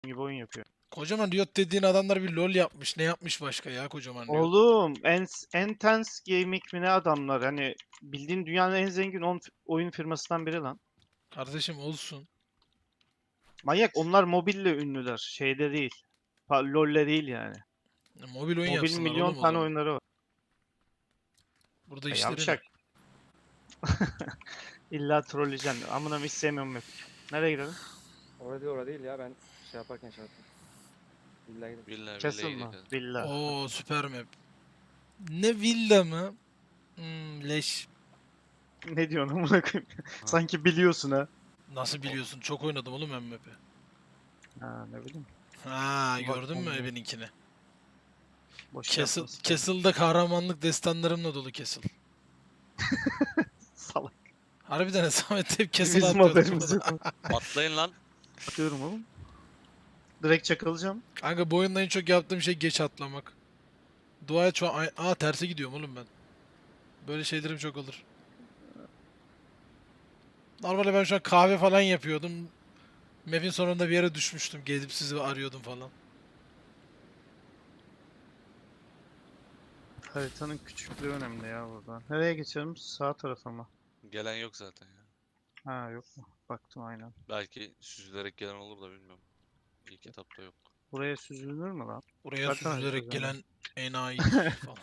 gibi oyun yapıyor. Kocaman Riot dediğin adamlar bir LoL yapmış. Ne yapmış başka ya kocaman Riot? Oğlum Intense Gaming mi ne adamlar, hani bildiğin dünyanın en zengin oyun firmasından biri lan. Kardeşim olsun. Manyak, onlar mobille ünlüler, şeyde değil. LoL'le değil yani. Mobil oyun Mobil yapsınlar milyon oğlum o tane zaman. oyunları var. Burada Ya işleri ne? yavşak. İlla trolleyeceksin. Amına hiç sevmiyorum hep. Nereye gidelim? Orada değil ya, ben şey yaparken şey yaptım. Villa gidip. Castle Villa'ya mı? gidelim. Villa. Oo süper map. Ne villa mı? Leş. Ne diyorsun amına koyayım? Ha. Sanki biliyorsun ha. Nasıl biliyorsun? Çok oynadım oğlum ben map'i. Ha, ne bileyim. Ha Bak gördün mü oldu. evininkini? Boş yapması lazım. Castle'da kahramanlık destanlarımla dolu Castle. Salak. Harbiden Samet hep Castle Bizim atlıyorduk haberimiz burada. yok. Atlayın lan. Atıyorum oğlum. Direkt çakılacağım. Kanka bu oyunda en çok yaptığım şey geç atlamak. Dua et şu an... Aa terse gidiyorum oğlum ben. Böyle şeylerim çok olur. Normalde ben şu an kahve falan yapıyordum. Map'in sonunda bir yere düşmüştüm. Gelip sizi arıyordum falan. Haritanın küçüklüğü önemli ya burada. Nereye geçelim? Sağ tarafa mı? Gelen yok zaten ya. Ha, yok mu? Baktım aynen. Belki süzülerek gelen olur da bilmiyorum. İlk etapta yok. Buraya süzülür mü lan? Buraya Zaten süzülerek haritada gelen enayidir falan.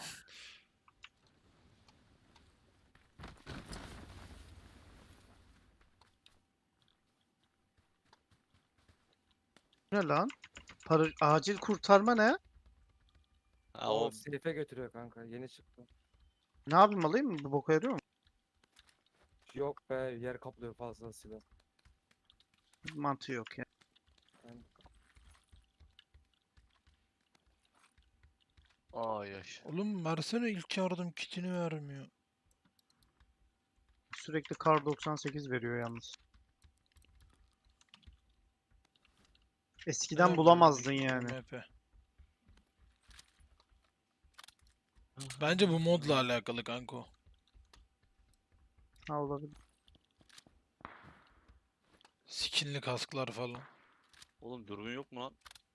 ne lan? Acil kurtarma ne? Ha O o seyfe götürüyor kanka. Yeni çıktı. Ne yapayım, alayım mı? Bu boka yarıyor mu? Yok be, yer kaplıyor fazlasıyla. Mantığı yok ya. Yani ay ay. Oğlum versene ilk yardım kitini vermiyor. Sürekli kar 98 veriyor yalnız. Eskiden Neden bulamazdın bu yani. map'e? Bence bu modla alakalı kanko. Ha, olabilir. Skinli kasklar falan. Oğlum dürbün yok mu lan?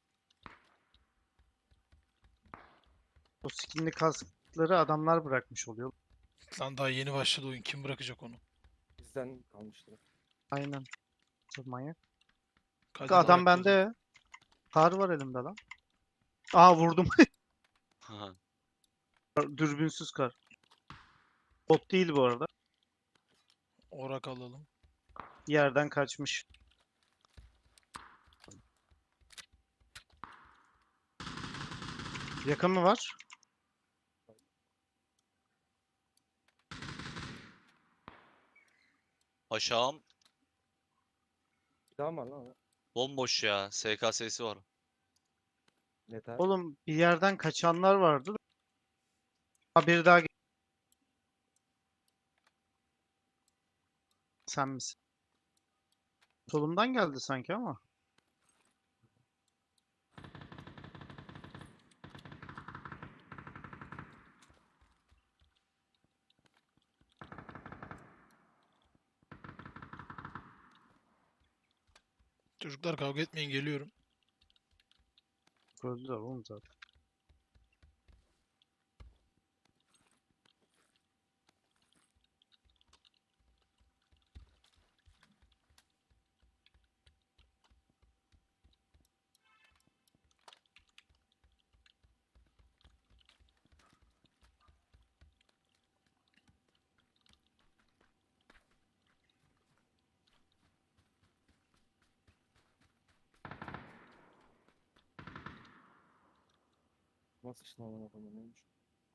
O skinli kaskları adamlar bırakmış oluyor. Lan daha yeni başladı oyun. Kim bırakacak onu? bizden kalmıştır. Aynen. Çok manyak. Kadir Adam bıraktı o zaman. bende. Kar var elimde lan. Aa, vurdum. Haha. Dürbünsüz kar. Bot değil bu arada. Orak alalım. Yerden kaçmış. Yakın mı var? Aşağım Bir daha mı var lan? bomboş ya. SKS'si var. Yeter. Oğlum bir yerden kaçanlar vardı. Ha, bir daha sen misin? Solumdan geldi sanki ama. Çocuklar kavga etmeyin geliyorum. Öldüler oğlum zaten. Nasıl işte amına koyayım, neymiş?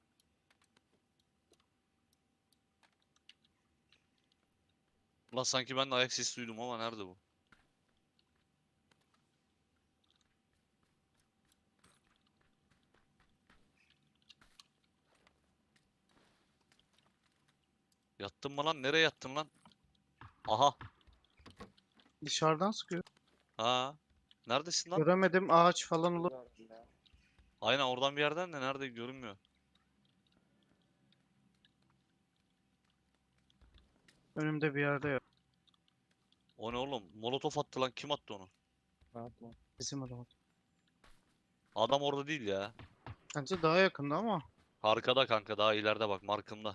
Ulan sanki ben de ayak sesi duydum ama nerede bu? Yattın mı lan? Nereye yattın lan? Aha. Dışarıdan sıkıyor. Ha. Neredesin lan? Göremedim, ağaç falan olur. Burada ya. Aynen oradan bir yerden de nerede görünmüyor. Önümde bir yerde ya. O ne oğlum? Molotof attı lan. Kim attı onu? Ne yapma. Bizim adam. Adam orada değil ya. Bence daha yakında ama. Arkada kanka, daha ileride bak, markımda.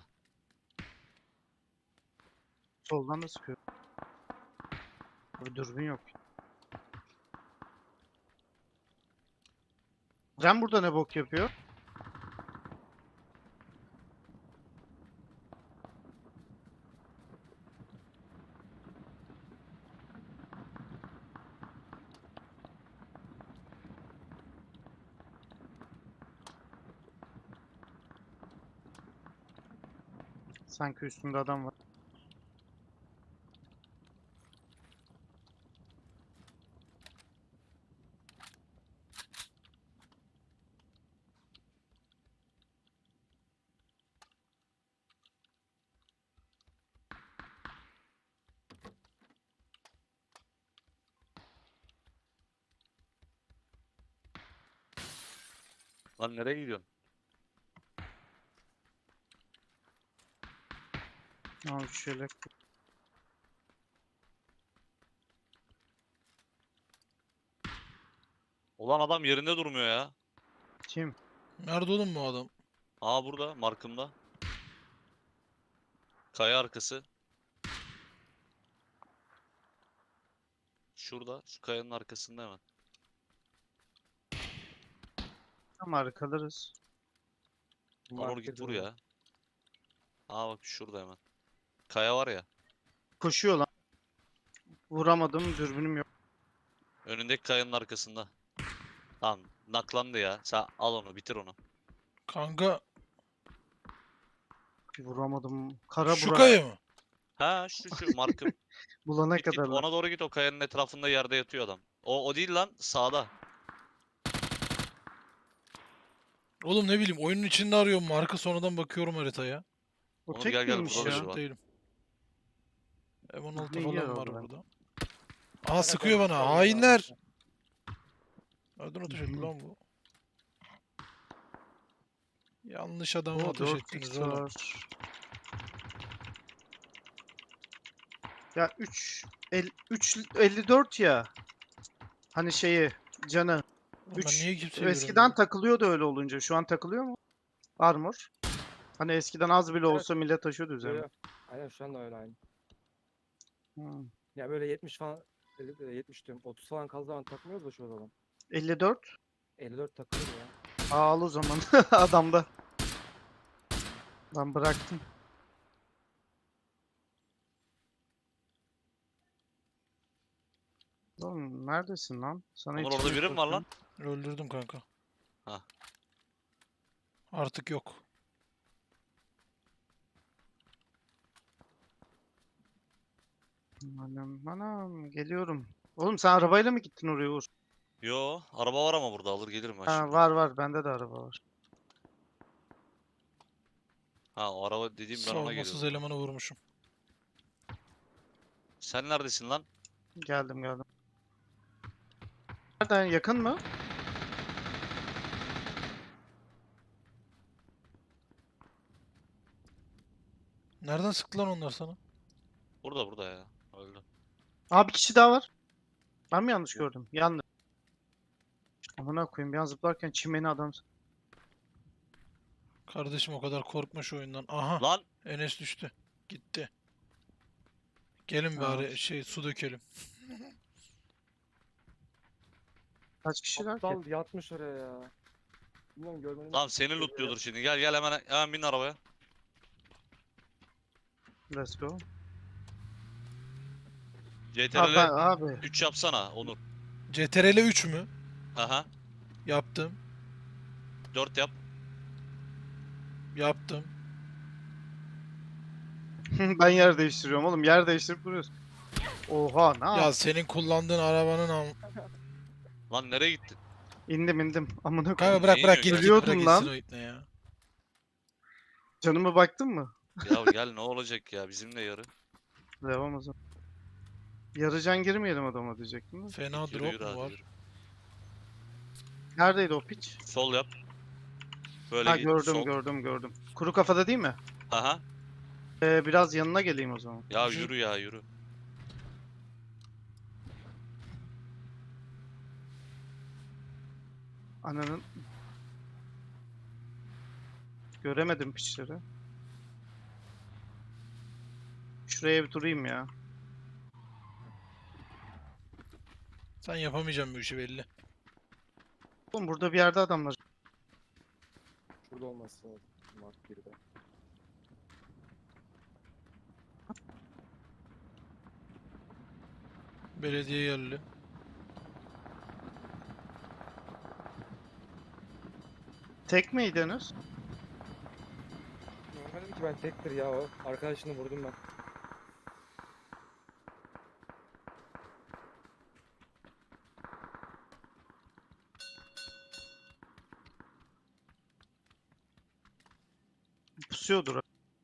Soldan da sıkıyor. Abi dürbün yok. Cem burada ne bok yapıyor? Sanki üstünde adam var. Lan nereye gidiyorsun? Abi şöyle. Ulan adam yerinde durmuyor ya. Kim? Nerede oğlum bu adam? Aa, burada markımda. Kaya arkası. Şurada, şu kayanın arkasında hemen. Tam arkalarız. Onur Mark git bir vur duruyor. ya. Aa bak şurada hemen. Kaya var ya. Koşuyor lan. Vuramadım, dürbünüm yok. Önündeki kayanın arkasında. Tamam, naklandı ya. Sen al onu, bitir onu. Kanka Bir vuramadım. Kara şu bura. kaya mı? Ha, şu markım. Bulana Git git, kadar lan. ona doğru git, o kayanın etrafında yerde yatıyor adam. O değil lan, sağda. Oğlum ne bileyim oyunun içinde arıyorum marka sonradan bakıyorum haritaya. O Onur tek gel gel, miymiş burada da ya? biri var. Değilim. M16 Ne yer falan var oldu lan? burada. Aha Kanka sıkıyor sen bana. solda Hainler. abi. Nereden ateş Hı etti hı. lan bu? Yanlış adamı O ateş 4 ettiniz x oğlum. var. Ya 54 ya. Hani şeyi canı. Oğlum ben 3 niye kimseyi eskiden göremiyorum? takılıyordu öyle olunca. Şu an takılıyor mu? Armor. Hani eskiden az bile Evet. olsa millet taşıyordu Yo, üzerine. yo. Aynen şu anda öyle aynı. Hmm. Ya böyle 70 falan 70 diyorum. 30 falan kaldığı zaman takmıyoruz da şu zaman. 54. 54 takılır ya. Al o zaman adamda. Ben bıraktım. Oğlum neredesin lan? Sana Onur orada yetişmeye biri mi var lan? çalışıyorum. Öldürdüm kanka. Ha. Artık yok. Anam geliyorum. Oğlum sen arabayla mı gittin oraya Uğur? Yo, araba var ama burada, alır gelirim ben Ha, şimdi. var var bende de araba var. Ha, o araba dediğim, ben ona Savunmasız geliyordum. elemanı vurmuşum. Sen neredesin lan? Geldim geldim. Nereden yakın mı? Nereden sıktı lan onlar sana? Burada ya. Öldü. Abi bir kişi daha var. Ben mi yanlış Yok. gördüm? Yanlış. Amına koyayım bir an zıplarken çimeni adam. Kardeşim o kadar korkma şu oyundan. Aha Lan Enes düştü. Gitti. Gelin Ha, bari şey su dökelim. Kaç kişiler ki? Aptal yatmış oraya ya. Bilmiyorum görmedim. lan seni lootluyordur şimdi. Gel gel, hemen bin arabaya. Let's go. Abi, CTRL abi 3 yapsana Onur. CTRL 3 mü? Aha. Yaptım. 4 yap. Yaptım. ben yer değiştiriyorum oğlum. Yer değiştirip duruyoruz. Oha ne Ya yap? senin kullandığın arabanın Lan nereye gittin? İndim. Amına koyayım. Kanka bırak Neyi bırak yiyor? git bırak Ölüyordum gitsin lan. o ipne ya. Canıma baktın mı? Ya gel, ne olacak ya, bizimle yarı. Devam o zaman. Yarı can girmeyelim adama diyecektim de. Fena Yürü, drop yürü, mu hadi var? yürü. Neredeydi o piç? Sol yap. Böyle Ha git. gördüm Sol. gördüm. Kuru kafada değil mi? Aha. Biraz yanına geleyim o zaman. Ya Şu- yürü ya, yürü. Ananın. Göremedim piçleri. Şuraya bir durayım ya. Sen yapamayacaksın bu işi belli. Oğlum burada bir yerde adamlar. Şurada olması lazım. Mark 1'de. Belediye geldi. Tek miydi henüz? Normalde ki ben tektir ya o. Arkadaşını vurdum ben. Pusuyordur.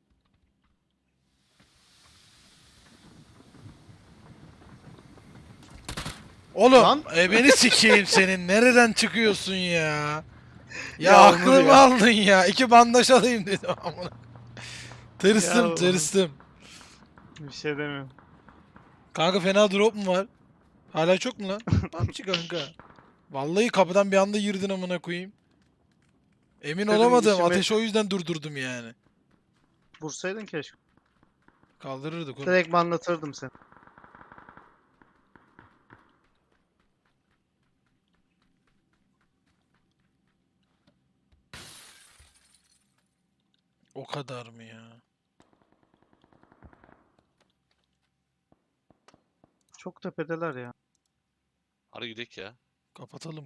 Oğlum Lan! beni sikeyim senin. Nereden çıkıyorsun ya? Ya, Ya Onur aklımı ya. aldın ya. 2 bandaj alayım dedim amına. Ya Tırstım Onur. tırstım. Bir şey demiyorum. Kanka fena drop mu var? Hala çok mu lan? PUBG kanka. Vallahi kapıdan bir anda girdin amına koyayım. Emin Dedim olamadım. içime- Ateşi o yüzden durdurdum yani. Vursaydın keşke. Kaldırırdık onu. Direkt anlatırdım seni. O kadar mı ya? Çok tepedeler ya. Hadi gidelim ya. Kapatalım